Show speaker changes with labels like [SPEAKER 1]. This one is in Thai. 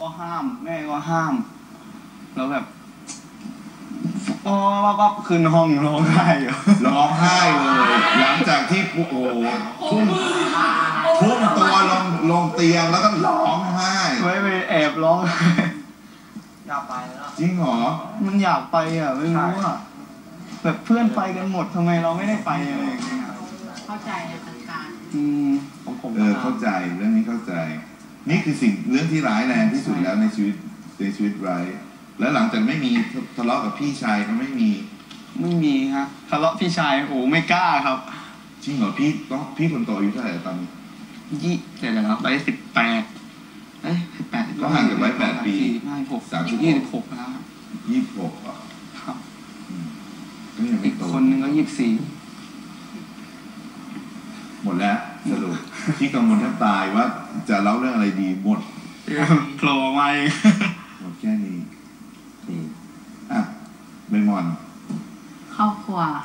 [SPEAKER 1] ก็ห้ามแม่ก็ห้ามแล้วแบบก็ขึ้นห้องร้องไห้อยู่
[SPEAKER 2] ร้องไห้เลยหลังจากที่โอ้โหทุ่มตัวลงเตียงแล้วก็ร้องไห้
[SPEAKER 1] ไม่ไปแอบร้องไห้
[SPEAKER 3] อยากไปแล้ว
[SPEAKER 2] จริงเหรอ
[SPEAKER 1] มันอยากไปอ่ะไม่รู้อ่ะแบบเพื่อนไปกันหมดทำไมเราไม่ได้ไปอะไรอย่างเงี้ย
[SPEAKER 4] เข้าใจในสถานการณ์
[SPEAKER 1] ของผม
[SPEAKER 2] เข้าใจเรื่องนี้เข้าใจ นี่คือเรื่องที่ร้ายแรงที่สุดแล้วในชีวิตไร้แล้วหลังจากไม่มีทะเลาะกับพี่ชายก็ไม่มี
[SPEAKER 1] ฮะทะเลาะพี่ชายโอ้ไม่กล้าครับ
[SPEAKER 2] จริงเหรอพี่คนโตอายุเท่าไหร่ตอนนี้
[SPEAKER 1] เดี๋ยวนะไป1818
[SPEAKER 2] ก็ห่างจากไว้8 ปี
[SPEAKER 1] ไม่26แล้วครับ
[SPEAKER 2] 26อ่ะ
[SPEAKER 1] ครับ
[SPEAKER 2] ก็ยังไม่
[SPEAKER 1] อีก
[SPEAKER 2] โต
[SPEAKER 1] คนนึงก็24
[SPEAKER 2] หมดแล้วสรุปที่กังวลแทบตายว่าจะเล่าเรื่องอะไรดีหมด
[SPEAKER 1] โผล่มาเอง
[SPEAKER 2] หมดแค่นี้อ่ะใบมอน
[SPEAKER 4] ครอบครัว